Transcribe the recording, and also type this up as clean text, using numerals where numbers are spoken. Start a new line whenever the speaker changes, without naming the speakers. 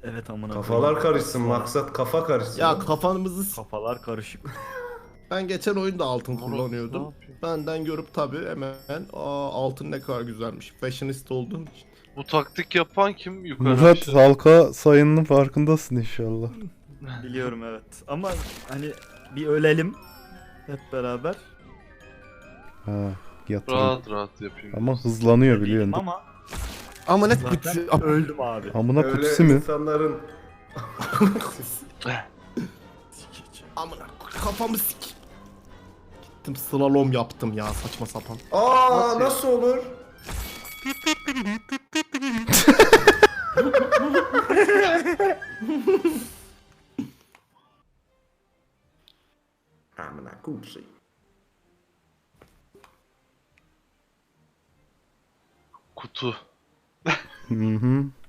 Evet amına
Kafalar
koyayım.
karışsın,
Sonra
maksat kafa karışsın.
Ya kafamızı
kafalar karışık.
ben geçen oyunda altın
Moruk, ne
kullanıyordum.
yapıyor?
Benden görüp tabi hemen altın ne kadar güzelmiş. Fashionist olduğum için.
Bu taktik yapan kim yukarı
Murat
aşağı?
halka sayının farkındasın inşallah.
Biliyorum evet. Ama hani bir ölelim hep beraber.
Ha, yatırım.
Rahat rahat yapayım.
Ama hızlanıyor
Değilim
biliyorsun.
ama
Ama net
zaten öldüm abi.
Amına
Öyle
kutusu mu?
insanların
Amına kafamı sik. Gittim slalom yaptım ya saçma sapan.
nasıl olur? Amına kumsi.
Kutu.
Hı hı.